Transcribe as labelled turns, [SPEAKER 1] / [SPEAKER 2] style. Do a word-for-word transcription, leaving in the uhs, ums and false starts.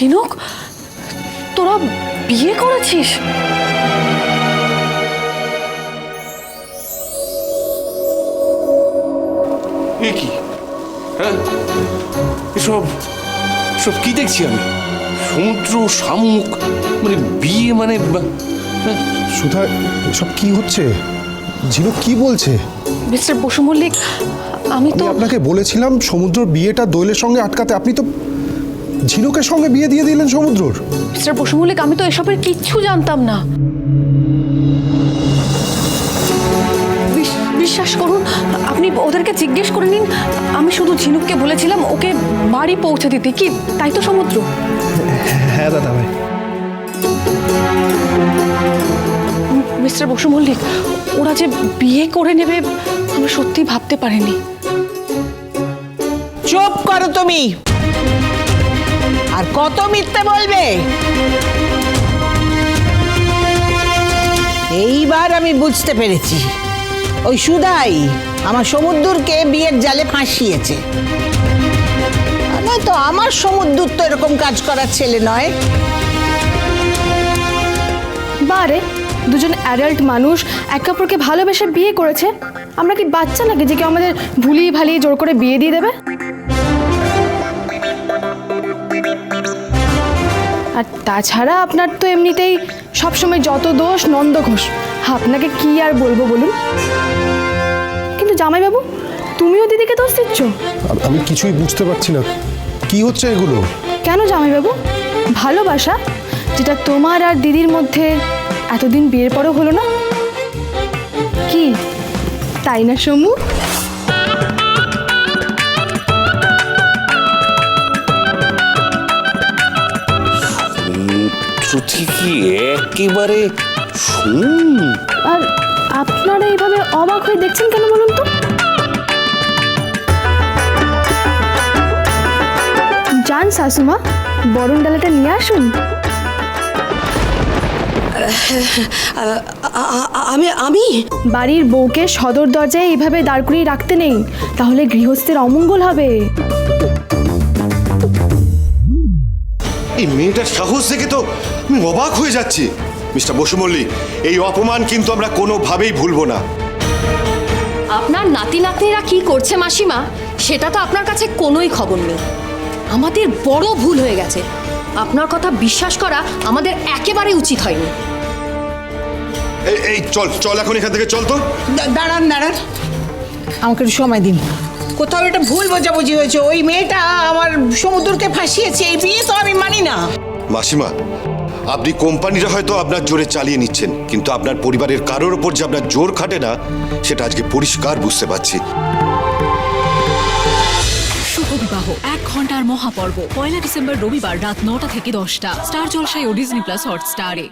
[SPEAKER 1] ঝিনুক, তোরা বিয়ে করেছিস?
[SPEAKER 2] এ কি? হ্যাঁ, এসব সব কি দেখছি আমি? সমুদ্র, শামুক, মানে বিয়ে, মানে হ্যাঁ।
[SPEAKER 3] সুধা, এসব কি হচ্ছে? ঝিনুক কি বলছে?
[SPEAKER 1] মিস্টার বসু মল্লিক, আমি তো
[SPEAKER 3] আপনাকে বলেছিলাম সমুদ্র বিয়েটা দোয়েলের সঙ্গে আটকাতে, আপনি তো ঝিনুকের সঙ্গে বিয়ে দিয়ে দিলেন সমুদ্রর।
[SPEAKER 1] মিস্টার বসু মল্লিক, আমি তো এসবের কিচ্ছু জানতাম না। বিশ্বাস করুন, আপনি ওদেরকে জিজ্ঞেস করে নিন। আমি শুধু ঝিনুককে বলেছিলাম ওকে বাড়ি পৌঁছে দিতে, কি তাই তো সমুদ্র?
[SPEAKER 3] হ্যাঁ দাদা ভাই।
[SPEAKER 1] মিস্টার বসু মল্লিক, ওরা যে বিয়ে করে নেবে আমি সত্যি ভাবতে পারিনি।
[SPEAKER 4] চুপ করো তুমি, আর কত মিথ্যে বলবে? এইবার আমি বুঝতে পেরেছি, ওই সুধাই আমার সমুদ্রকে বিয়ের জালে ফাঁসিয়েছে। নয়তো আমার সমুদ্র তো এরকম কাজ করার ছেলে নয়।
[SPEAKER 5] বারে দুজন অ্যাডাল্ট মানুষ একে অপরকে ভালোবেসে বিয়ে করেছে। আমরা কি বাচ্চা নাকি যে কেউ আমাদের ভুলিয়ে ভালিয়ে জোর করে বিয়ে দিয়ে দেবে? আর তাছাড়া আপনার তো এমনিতেই সবসময় যত দোষ নন্দ ঘোষ, আপনাকে কি আর বলবো বলুন। কিন্তু জামাইবাবু, তুমিও দিদিকে দোষ দিচ্ছ।
[SPEAKER 3] আমি কিছুই বুঝতে পারছি না, কি হচ্ছে এগুলো?
[SPEAKER 5] কেন জামাইবাবু? ভালোবাসা যেটা তোমার আর দিদির মধ্যে এতদিন বিয়ের পরও হলো না, কি তাই না সমু?
[SPEAKER 2] কি একেবারে শুন।
[SPEAKER 5] আর আপনারা এইভাবে অবাক হয়ে দেখছেন কেন বলুন তো? যান শাশুমা, বরণ ডালাটা নিয়ে আসুন।
[SPEAKER 1] আমি আমি
[SPEAKER 5] বাড়ির বউকে সদর দরজায় এইভাবে দাঁড় করিয়ে রাখতে নেই, তাহলে গৃহস্থের অমঙ্গল হবে।
[SPEAKER 6] এই মেয়েটার সাহস দেখে তো আমি অবাক হয়ে যাচ্ছি। মিস্টার বসু মল্লিক, এই অপমান কিন্তু আমরা কোনোভাবেই ভুলবো না।
[SPEAKER 7] আপনার নাতি নাতনিরা কি করছে মাসিমা, সেটা তো আপনার কাছে কোনোই খবর নেই। আমাদের বড় ভুল হয়ে গেছে, আপনার কথা বিশ্বাস করা আমাদের একেবারে উচিত হয়নি।
[SPEAKER 6] এই এই চল চল এখন এখান থেকে চল তো।
[SPEAKER 4] দাঁড়ান দাঁড়ান, আমাকে একটু সময় দিন। কোথাও এটা ভুল বোঝাবুঝি হয়েছে। ওই মেয়েটা আমার সমুদ্রকে ফাঁসিয়েছে, এই বিয়ে তো আমি মানি না।
[SPEAKER 6] মাসিমা, আপনি কোম্পানিটা হয়তো আপনার জোরে চালিয়ে নিচ্ছেন, কিন্তু আপনার পরিবারের কারোর ওপর যে আপনার জোর খাটে না, সেটা আজকে পরিষ্কার বুঝতে পারছি।
[SPEAKER 8] শুভ বিবাহ এক ঘন্টার মহাপর্ব পয়লা ডিসেম্বর রবিবার রাত নটা থেকে দশটা স্টার জলসায় ও ডিজনি প্লাস হটস্টারে।